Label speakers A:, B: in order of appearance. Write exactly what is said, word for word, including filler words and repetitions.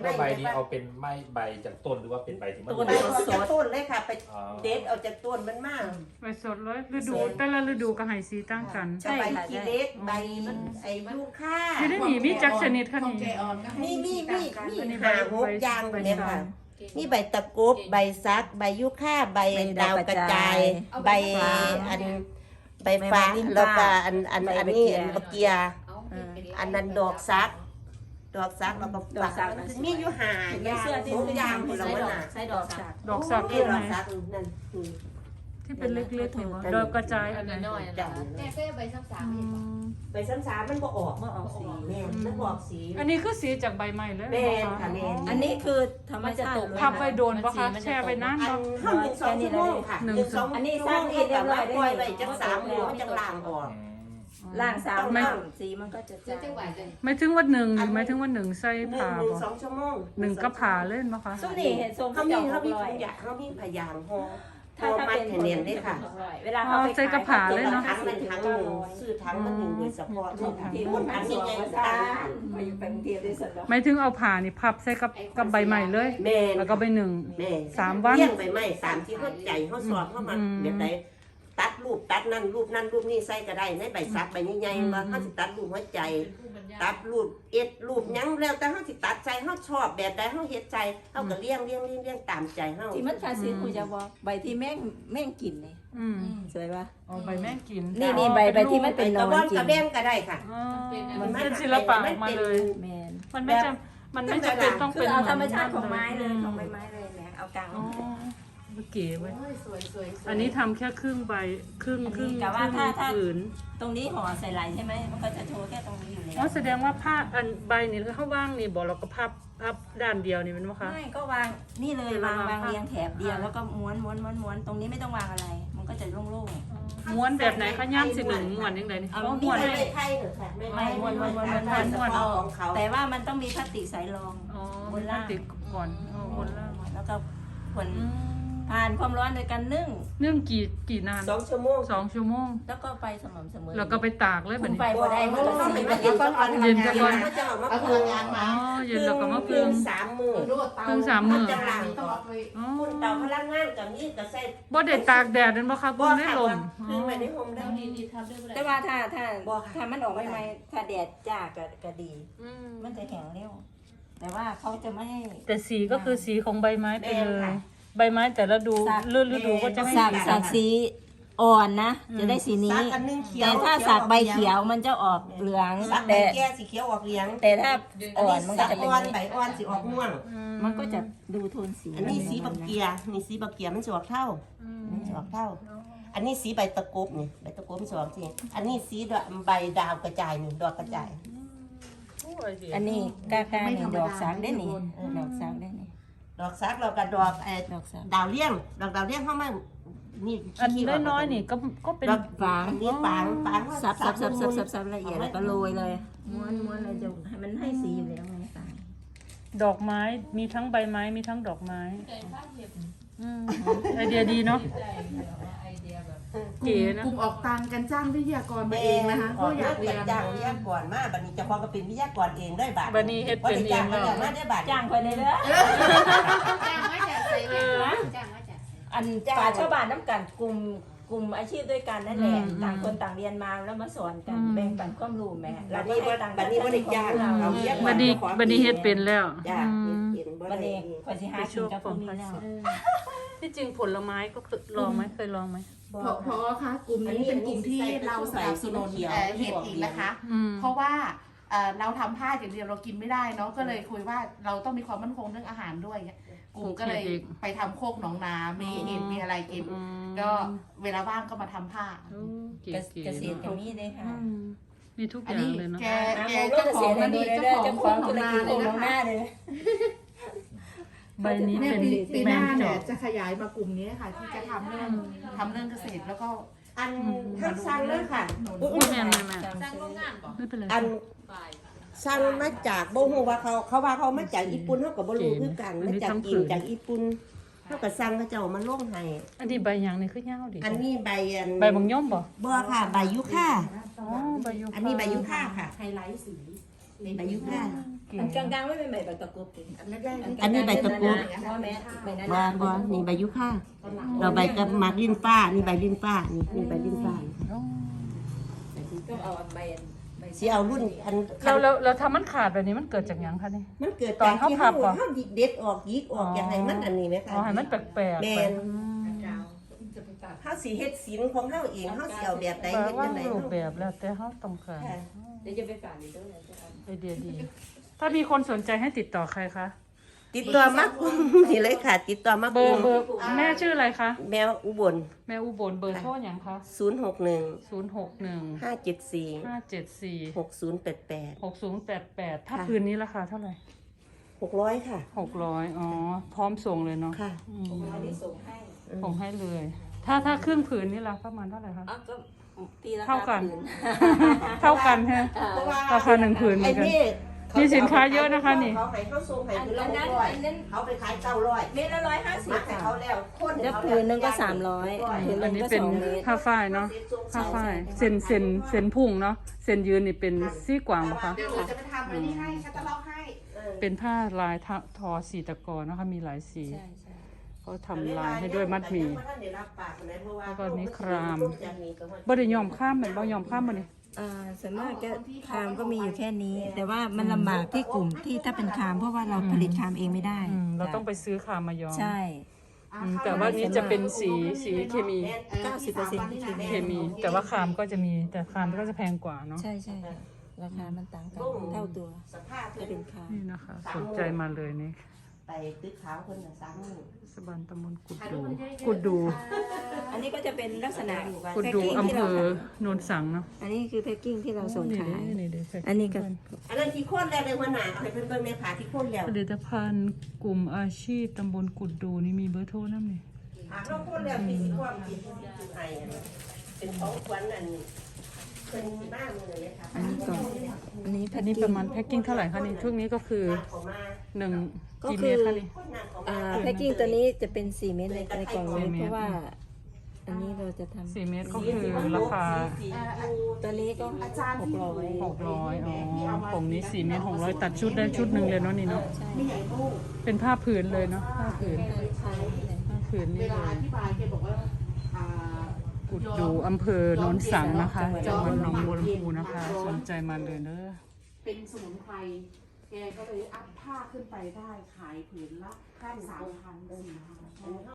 A: แล้วใบนี้เอาเป็นไม้ใบจากต้นหรือว่าเป็นใบที่มัน
B: ต้นเอาจากต้นเลยค่ะไปเด็ดเอาจากต้นมันมาก
C: ใบสดเลยฤดูแต่ละฤดูก็ให้สีต่างกัน
B: ใบขี้เล็กใบไอ้ลูกค่า
C: ที่ได้หนีมีจักชนิดค่ะนี่
B: มีมีมีมีหาหกอย่างเนี่ยค่ะมีใบตะกรุบใบซักใบยุค่าใบดาวกระจายใบอันใบฟ้าแล้วก็อันอันอันนี้อันบะเกียอันนั้นดอกซักดอกซักแล้วก็ฝักมีอยู่หาอย่างหกอย่างผลไม้น่ะ
D: ใช้ดอกสัก
C: ดอกสัก
B: นี่
C: คือ
B: ด
C: ไหน
B: อกซักนั่น
C: ที่เป็นเล็กๆนี่บ่ดอกกระจายอันไหน
D: น้อยๆนะแม่ก็ใบซ้ำสาม
C: อืม
B: ใบซ้ำๆมันบ่ออก
D: เมื่อออกสี
B: แม่มันบ่ออกสี
C: อันนี้คือสีจากใบไม้เลย
B: แม่ค่ะแม่
D: อันนี้คือธรรมชาติ
C: พับไปโดนปะคะแช่ไปนาน
B: อัน
C: บ่
B: ห้าหนึ่งสองชั่วโมงค่ะหนึ่งสองอันนี้สร้างเองแต่ว่าปล่อยไปจังสามมื้อมันจังล้างออก
D: ล่างสามล่างสีมันก็จะจาง
C: ไม่ถึงวันหนึ่งหรือไม่ถึงวันหนึ่งใส่
B: หนึ่ง
C: ผ่า
B: หนึ่ง
C: บ่
B: สองชั่วโมง
C: หนึ่งก็ผ่าเล่นปะคะ
D: สุนี่เห็นทรง
B: เขา
D: เขา
B: มี
D: จะห
B: เขา
D: ก
B: มี
D: ร้อย
B: ทุกอย่างเขามีพยางห่อ
D: ถ้าถ้าเป็น
B: เนียนได้ค่ะ
D: เวลาเขาไป
C: ใส่กระผาเลยเนาะ
B: ทั้งมันทั้งหนึ่งซื้อทั้งมันหนึ่งโดยเฉพาะทุกที่มันทั้งยังไงก็ตาม
D: มาอยู่กรุงเทพได้สุดแล้ว
C: ไม่ถึงเอาผ่านี่พับใส่กับกับใบใหม่เลย
B: แม่
C: แล้วก็ใบหนึ่ง
B: แม่
C: สามวัน
B: เลี้ยงใบไม้สามที่เขาใจเขาสอบเข้ามาแบบไหนตัดรูปตัดนั่นรูปนั่นรูปนี่ใส่ก็ได้ในใบซักใบใหญ่ๆมาเขาสิตัดรูปหัวใจ ตัดรูปเอ็ดรูปยังแล้วแต่เขาสิตัดใจเขาชอบแบบใดเขาเฮ็ดใจเขาก็เลี้ยงเลี้ยงเลี้ยงเลี้ยงตามใจเขา
D: ที่มันคาซีคุจะบอกใบที่แม่งแม่งกินนี่
C: อืม
D: สวยปะ
C: เอาใบแม่งกิน
D: นี่นี่ใบใบที่มันเป็น
B: กระบอนกระแบงก็ได้ค่ะ
C: อ๋อมันเป็นศิลปะออกมาเลย
D: แมน
C: มันไม่จำมันไม่จำเป็นต้อง
D: คื
C: เป็
D: อน เอาธรรมชาติของไม้เลยของใบ
C: ม
D: ไม้เลยแม่เอากลาง
C: อ๋อเก๋เว้ยอันนี้ทำแค่ครึ่งใบครึ่งครึ่งครึ่งผืน
D: ตรงนี้ห่อใส่ไหลใช่ไหมมันก็จะโชว์แค่ตรงนี้อยู่แล้
C: อ๋อ
D: ว
C: แสดงว่าผ้าอันใบนี่เขาว่างนี่บอกเราก็พับพับด้านเดียวนี่เป็นไหมคะ
D: ไม่ก็วางนี่เลยวางวางเรียงแถบเดียวแล้วก็ม้วนม้วนม้วนม้วนตรงนี้ไม่ต้องวางอะไร มันก็จะโล่ง
C: ม้วนแบบไหนคะย่ำสิหนึ่งม้วนยังไงนี่
D: เอา
C: อ๋อ
B: มี
C: ม้วน
B: ใบ
C: ให้
B: ไทยเหรอค่ะ
D: ๆไม่ม้วนม้วนม้วนม้วนม้วน
B: ม้วนของเขา
D: แต่ว่ามันต้องมีพลาสติกใสรอง
C: อ๋อม้วนล่างติดก่อนอ๋อม้วนล่าง
D: แล้วก็ผล
C: อืม
D: ผ่านความร้อนโดยการนึ่ง
C: นึ่งกี่กี่นาน
B: สองชั่วโมง
C: สองชั่วโมง
D: แล้วก็ไปสม่ำเสมอ
C: แล้วก็ไปตากเลยแบบ
D: คุม
C: นี้
D: ไฟบ่ได้มันก็สีมัน
B: เย็นก่อน
C: เย็นก่อน
B: เขาจะเอามา
E: เอาพ
B: พึ่
E: ลั
B: ง
E: งงานมา
C: อ๋อเย็นแล้วก็มา
B: พึ่
C: พึ่
B: ง
C: ง
B: สามมือ
C: เพิ่งสามมื้อ
B: จะล้างออก
C: อ๋อ
B: คุณเตาพลังงานกับนี่ก็ใส่
C: บ่ได้ตากแดดนั่นบ่คะ
B: บ่
C: บ่ได้
B: ค่ะ
C: ลม
B: พึ่งไว้ในโฮมได้
D: แต่ว่าถ้าถ้า
B: บ่ค่ะ
D: ถ้ามันออกใหม่ๆถ้าแดดจ้าก็ก็ดี
C: อืม
D: มันจะแข็งเร็ว แต่ว่าเขาจะไม่ให้
C: แต่สีก็คือสีของใบไม้ไปเลย
B: แม่ค่ะ
C: ใบไม้แต่ละดู
D: สัก
C: ฤดูฤดูก็จะไม่
D: สัก
C: เหมือน
D: สั
C: กัน
D: กสีอ่อนนะ จะได้สีนี้
B: สักอันนึงเขียว
D: แต่ถ้าสักใบเขียวมันจะออกเหลือง
B: สักใบ
D: แต่
B: แก่สีเขียวออกเหลือง
D: แต่ถ้า
B: อัน
D: อ่อ
B: นี้
D: นมันก็
B: สัก
D: จะเป็น
B: อ่อนใบอ่อนสีออกม่วง
D: มันก็จะดูโทนสี
B: อันนี้สีบักเกียนี่สีบักเกียมันจะออกเท่า
C: อืม
B: มันจะออกเท่า อันนี้สีใบตะกบนี่ใบตะกบมันจะออกสีอันนี้สีดอกใบดาวกระจายนี่ดอกกระจาย
C: โอ้ยสิ
D: อันนี้กล้าๆนี่ดอกสักได้นี่ดอกสักได้นี่
B: ดอกซักเรากับดอกเอ่อ
D: ดอกสัก
B: ดาวเลี้ยงดอกดาวเลี้ยงเข้ามานี่
C: อันน้อยๆนี่ก็ก็เป็น
B: ดอกฝางนี่ฝางฝาง
D: สับสับสับสับสับสับละเอียดแล้วก็โรยเลยม้วนม้วนเลยจะให้มันให้สีอยู่แล้วไงต่าง
C: ดอกไม้มีทั้งใบไม้มีทั้งดอกไม้อืมไอเดียดีเนาะเก๋นะ
E: กลุ่มออกตังกันจ้างวิทยากรมา
B: แม่
E: เองนะคะเพ
B: ก็
E: ราะอยาก ก
B: อายเรี
E: เรี
B: ย
E: ย
B: น
E: น
B: จ้างวิทยากรมาบัดนี้เจ้าพ่อก็เป็นวิทยากรเองได้บาท
C: บัดนี้เฮ็ดเป็นเองแล้ว
B: มาได้บาท
D: จ้างคนเลยเด้อ
F: จ้างมาจากใส่มาจ้างมาจาก
D: อันป่าชาวบ้านน้ำกันกลุ่มกลุ่มอาชีพด้วยกันนั่นแหละ
C: อืม
D: ต่างคนต่างเรียนมาแล้วมาสอนกัน
C: อืม
D: แบ่งปันความรู้แม่
B: บัดนี้บ่บัดนี้บ่ได้จ้างเอาวิทยากร
C: บัดนี้บัดนี้เฮ็ดเป็นแล้ว
B: จ้า
C: อืม
B: เฮ็ดเป็นบ่
D: วัน
B: ได้
D: นี้คนสิหากินกับพวกนี้แล้ว
C: ที่จริงผลไม้ก็คือลองไหมเคยลองไหม
E: เพราะเพราะคะกลุ่มนี้เป็นกลุ่มที่เราสนับสนุนเอ่อเห็ดอีกนะคะ
C: อืม
E: เพราะว่าเอ่อเราทำผ้าอย่างเดียวเรากินไม่ได้เนาะก็เลยคุยว่าเราต้องมีความมั่นคงเรื่องอาหารด้วยกลุ่มก็เลยไปทำโคกหนองนามีเห็ดมีอะไรกิน
C: อืม
E: ก็เวลาว่างก็มาทำผ้า
C: โอ้เก๋
D: เกษตร
C: ๆ
D: อย่างนี้เลยค่ะ
C: อืมมีทุกอ
E: อัน
C: ย่าง
E: นี้
C: เลยเนาะ
E: แก
D: อ่า
E: แก
D: ผมรู้
E: เจ้า
D: เก
E: ข
D: ษ
E: อง
D: ตร
E: มัน
D: ดู
E: นี่
D: ได้
E: เจ้า
D: เจ้า
E: ข
D: ข
E: อ
D: อง ง
E: โค
D: ธุ
E: กหน
D: ร
E: อง
D: กิจ
E: นา
D: โค
E: เลย
D: ก
E: นะ
D: น้องห
E: คะ
D: น้าเลย
C: ใบนี้
E: เนี่ย
C: เป็น
E: ปีปีหน้า
C: แมงจ
E: เนี่
C: อย ก
E: จะขยายมากลุ่มนี้ค่ะที่จะทำเรื่องทำเรื่องเกษตรแล้วก็
B: อันทั้งสั่งเลยค่ะ
C: อุ้ยแม่แม่แม่
F: สร้างโรงงานก่อน
C: ไม่เป็นไร
B: อัน
F: ฝ่าย
B: สั่งมาจากบ่ฮู้ว่าเขาเขาว่าเขามาจากญี่ปุ่นเฮาก็บ่รู้คือกันมาจากจีนจากญี่ปุ่นเฮาก็สั่งเขาเจ้ามาลงให้
C: อันนี้ใบหยางนี่คือยาวดิ
B: อันนี้ใบอัน
C: ใบบางย่อมบ่
B: บ่ค่ะใบยุค่า
C: อ๋อใบยูคา
B: อันนี้ใบยุค่าค่ะ
E: ไฮไลท์สี
B: ใบยุค่า
C: เก๋
D: อันกลางๆไม่เป็นใบตะกรุบดิ
B: อันนี้ใบตะกรุบ
D: พ่อแม่ใบนั้น
B: บ่บ่นี่ใบยุค่าเราใบกับหมากลิ้นฟ้านี่ใบลิ้นฟ้านี่นี่ใบลิ้นฟ้า
D: ก็เอาใบใบ
B: สิเอารุ่นอัน
C: เราเราเราทำมันขาดแบบนี้มันเกิดจากหยังคะนี่
B: มันเกิด
C: ตอน
B: จาก
C: เขา
B: ที่
C: พั
B: เฮา
C: บเหรอ
B: เฮาเด็ดออกยิกออกอย่างไรมันอันนี้ไหมคะ
C: อ๋อให้มันแปลกๆ
B: แม่
C: ไป
B: นเฮาสิเฮ็ดศิลป์ของเฮาเองเฮาสิเอาแบบใด
C: แปล
B: เฮ็ด
C: ว่า
B: จังได
C: รู
B: เฮา
C: ปแบบแล้วแต่เขาต้องการ
B: ค่ะ
D: เดี๋ยวจะไปฝากในตู้เลยจะเอา
C: ไอเดียดี ถ้ามีคนสนใจให้ติดต่อใครคะ
B: ติดต่อมากนี่เลยค่ะ ติดต่อมา
C: เบอร์เบอร์แม่ชื่ออะไรคะ
B: แมวอุบล
C: แม่อุบลเบอร์โทรอย่างคะ
B: ศูนย์หกหนึ่ง
C: ศูนย์หกหนึ่ง
B: ห้าเจ็ดสี่
C: ห้าเจ็ดสี่
B: หกศูนย์แปดแปด
C: หกศูนย์แปดแปดถ้า
B: ค่ะ
C: คืนนี้ราคาเท่าไหร่
B: หกร้อยค่ะ
C: หกร้อยอ๋อ พร้อมส่งเลยเนาะ
B: ค่ะ
C: อืม
D: อันนี้ส่งให้
C: ส่งให้เลย ถ้าถ้าครึ่งผืนนี่ราคาประมาณเท่าไหร่คะ
D: อ๋อก็ตีละ
C: เท่ากัน
D: ผื
C: เท่ากันฮะ
B: เพราะว่า
C: ราคาหนึ่งผืนเหมื
B: ไอ้
C: อนกัน
B: นี่
C: มีสินค้าเยอะนะคะนี่
B: เขาให้เขาส่งให้
D: อัน
B: คือละ
D: อัน
B: ห
D: นั้น
B: กร้อย
D: อันนั้น
B: เขาไปขายเก้าร้อย
D: เมตรละร้อยห้าสิบ
B: มัดให้
D: ค่ะ
B: เขาแล้วคน
D: แล้วผืนหนึ่งก็สามร้อยผืนห
C: อั
D: นึ่
C: น
D: ง
C: นี้
D: ก็
C: เป็น
D: สองเมตร
C: ผ้าฝ้ายเนาะ ผ้าฝ้ายเส้นเส้นเส้นพุ่งเนาะ เส้นยืนนี่เป็นซี่กวางปะคะ
E: เดี๋ยวหนูจะไปทำไอ้นี่ให้คัตตาล็อกให้
C: เป็นผ้าลายทะทอสีตะกอนะคะ มีหลายสี
D: ใช่ใช่
C: เขาทำลายให้ด้วยมัดหมี่ แล้วก็นี่คราม บ่
B: บ่
C: ได้ยอมข้ามเหมือนบ่ยอมข้ามบ่นี่
D: อ่าส่วนมากก็คามก็มีอยู่แค่นี้ แต่ว่ามันลำบากที่กลุ่มที่ถ้าเป็นคามเพราะว่าเราผลิตคามเองไม่ได้
C: อืมเราต้องไปซื้อคามมายอม
D: ใช่
C: อืมแต่ว่านี้จะเป็นสีสีเคมี
D: เก้าสิบเปอร์เซ็นต์ที่เคมี
C: เคมี แต่ว่าคามก็จะมีแต่คามก็จะแพงกว่าเนาะ
D: ใช่ใช่ค่ะราคามันต่างกันเท่าตัว
B: สภาพ
D: ถ้าเป็นคาม
C: นี่นะคะ สนใจมาเลยนี่
B: ไปตึกขาวคนละสามหมื่น
C: สบันตำบลกุดดู กุดดู
D: อันนี้ก็จะเป็นลักษณะ
C: กุดดูอำเภอโนนสังเนาะ
D: อันนี้คือแพ็กกิ้งที่เราส่ง
C: นี่
D: ขาย
C: นี่นี่
D: อันนี้ก็
B: อันนั้นที่โค่นแล้วในหัวหน้าเอาให้เพิ่นเบิ่งในผาที่โค่นแล้ว
C: ผลิตภัณฑ์กลุ่มอาชีพตำบลกุดดูนี่มีเบอร์โทรน้ำนี่
B: ผาเราโค่นแล้วที่สิความที่สิจุดไห้อันนั้นเป็นของขวัญอันเพิ่นสิมามื้อนี้ค่ะ
D: อันนี้ก่อนอันนี้
C: อันนี้ประมาณแพ็กกิ้งเท่าไหร่คะนี่ช่วงนี้ก็คือ
B: เขามา
C: หนึ่งกี่เมตรคะนี่
B: คนนั้นเขา
D: อ่า
B: มา
D: แพ็กกิ้งตัวนี้จะเป็นสี่เมตรในในกล่องนี้เพราะว่า อันนี้เราจะทำ
C: สี่เมตรก็คือราคา
D: ตัวนี้ก็
E: อาจารย์
D: หก
E: ที่
D: ร้อย
C: หกร้อยอ๋อผมนี้สี่เมตรหกร้อยตัดชุดได้ชุดหนึ่งเลยเนาะนี่เนาะ
D: ใช่
E: ไม่ใหญ่ลูก
C: เป็นผ้าผืนเลยเนาะผ้าผืน
D: ใช่
C: ผ้าผืน
E: เว
C: นี่เล
E: ลาย อธิบายแกบอกว่าอ่า
C: กุดดูอำเภอโนนสังนะคะจังหวัดหนองบัวลำพูนะคะ สนใจมาเลยเด้อ
E: เป็นสมุนไพรแกก็เลยอัพผ้าขึ้นไปได้ขายผืนละสามพันสี่พัน